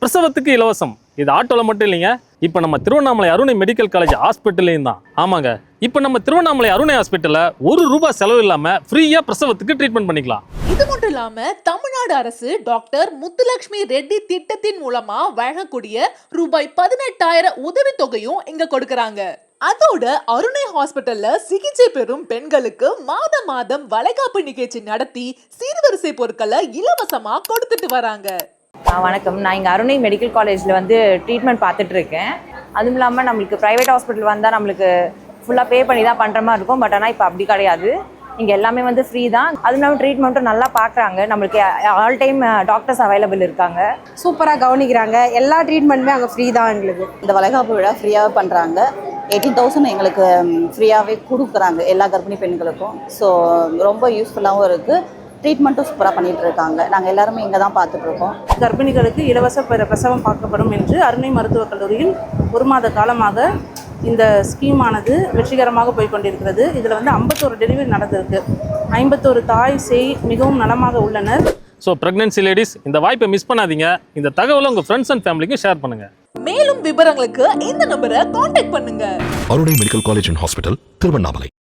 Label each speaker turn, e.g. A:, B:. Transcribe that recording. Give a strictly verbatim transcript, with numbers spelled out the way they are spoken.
A: பிரசவத்துக்கு இலவசம். இது ஆட்டோல மட்டும் இல்லைங்க, இப்போ நம்ம திருவண்ணாமலை அருணை மெடிக்கல் காலேஜ் ஹாஸ்பிட்டல்லையும் தான். ஆமாங்க, இப்போ நம்ம திருவண்ணாமலை அருணை ஹாஸ்பிட்டல்ல ஒரு ரூபாய் செலவு இல்லாம ஃப்ரீயா பிரசவத்துக்கு ட்ரீட்மெண்ட் பண்ணிக்கலாம்.
B: இது மட்டும் இல்லாம தமிழ்நாடு அரசு டாக்டர் முத்துலட்சுமி ரெட்டி திட்டத்தின் மூலமா வழங்கக்கூடிய ரூபாய் பதினெட்டாயிரம் உதவி தொகையும் இங்க கொடுக்கறாங்க. அதோட அருணை ஹாஸ்பிட்டல்ல சிகிச்சை பெறும் பெண்களுக்கு மாதம் மாதம் வளைகாப்பு நிகழ்ச்சி நடத்தி சீர்வரிசை பொருட்களை இலவசமா கொடுத்துட்டு வராங்க.
C: வணக்கம், நான் இங்கே அருணை மெடிக்கல் காலேஜில் வந்து ட்ரீட்மெண்ட் பார்த்துட்டு இருக்கேன். அதுவும் இல்லாமல் நம்மளுக்கு ப்ரைவேட் ஹாஸ்பிட்டல் வந்தால் நம்மளுக்கு ஃபுல்லாக பே பண்ணி தான் பண்ணுற மாதிரி இருக்கும். பட் ஆனால் இப்போ அப்படி கிடையாது, இங்கே எல்லாமே வந்து ஃப்ரீ தான். அதுவும் இல்லாமல் ட்ரீட்மெண்ட்டும் நல்லா பார்க்குறாங்க. நம்மளுக்கு ஆல் டைம் டாக்டர்ஸ் அவைலபிள் இருக்காங்க,
D: சூப்பராக கவனிக்கிறாங்க. எல்லா ட்ரீட்மெண்ட்டுமே அங்கே ஃப்ரீ தான். எங்களுக்கு
E: இந்த வளைகாப்பு விழா ஃப்ரீயாக பண்ணுறாங்க. எயிட்டீன் தௌசண்ட் எங்களுக்கு ஃப்ரீயாகவே கொடுக்குறாங்க எல்லா கர்ப்பிணி பெண்களுக்கும். ஸோ ரொம்ப யூஸ்ஃபுல்லாகவும் இருக்குது. ட்ரீட்மெண்ட்டும் சூப்பராக பண்ணிகிட்டு இருக்காங்க. நாங்கள் எல்லாருமே இங்கே தான் பார்த்துட்ருக்கோம்.
F: கர்ப்பிணிகளுக்கு இலவச பிரசவம் பார்க்கப்படும் என்று அருணை மருத்துவக் கல்லூரியில் ஒரு மாத காலமாக இந்த ஸ்கீமானது வெற்றிகரமாக போய் கொண்டிருக்கிறது. இதில் வந்து ஐம்பத்தோரு டெலிவரி நடந்திருக்கு. ஐம்பத்தோரு தாய் சேய் மிகவும் நலமாக உள்ளனர்.
A: ஸோ ப்ரெக்னன்சி லேடிஸ், இந்த வாய்ப்பை மிஸ் பண்ணாதீங்க. இந்த தகவலை உங்கள் ஃப்ரெண்ட்ஸ் அண்ட் ஃபேமிலிக்கு ஷேர் பண்ணுங்கள்.
B: மேலும் விவரங்களுக்கு இந்த நம்பரை கான்டாக்ட் பண்ணுங்க.
G: Arunai medical college and hospital, Tiruvannamalai.